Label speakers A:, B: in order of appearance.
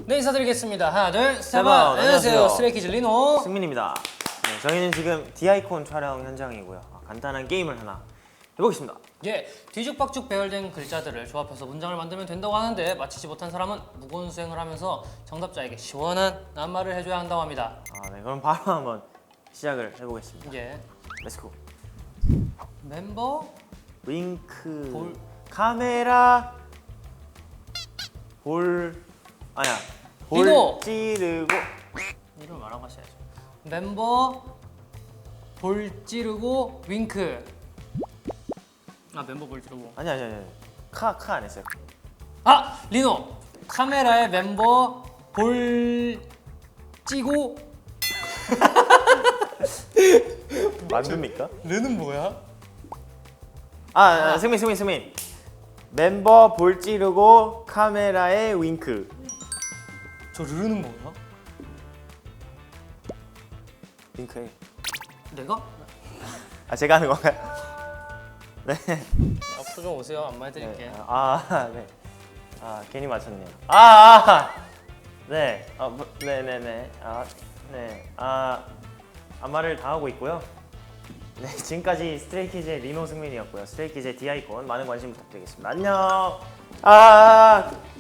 A: 네, 인사드리겠습니다. 하나, 둘, 셋.
B: 번.
A: 안녕하세요. 스트레이키즈 리노.
B: 승민입니다. 네, 저희는 지금 디아이콘 촬영 현장이고요. 간단한 게임을 하나 해보겠습니다.
A: 예, 뒤죽박죽 배열된 글자들을 조합해서 문장을 만들면 된다고 하는데 맞히지 못한 사람은 무거운 수행을 하면서 정답자에게 시원한 낱말을 해줘야 한다고 합니다.
B: 네, 그럼 바로 한번 시작을 해보겠습니다.
A: 예,
B: 렛츠고.
A: 멤버
B: 윙크.
A: 볼.
B: 카메라. 볼. 아니야.
A: 리노.
B: 볼 찌르고.
A: 이름 말하고 하셔야죠. 멤버 볼 찌르고 윙크. 멤버 볼 찌르고.
B: 아니. 카 안 했어요.
A: 리노. 카메라에 멤버 볼 찌고.
B: 맞습니까?
A: 르는 뭐야?
B: 승민. 멤버 볼 찌르고 카메라에 윙크.
A: 저 르는 뭐야?
B: 윙크해.
A: 내가?
B: 제가 하는 건가요? 네.
A: 앞으로 좀 오세요. 안마 해드릴게.
B: 네. 괜히 맞췄네요. 네. 네네네. 네. 안마를 다 하고 있고요. 네, 지금까지 스트레이키즈의 리노 승민이었고요. 스트레이키즈의 디아이콘 많은 관심 부탁드리겠습니다. 안녕.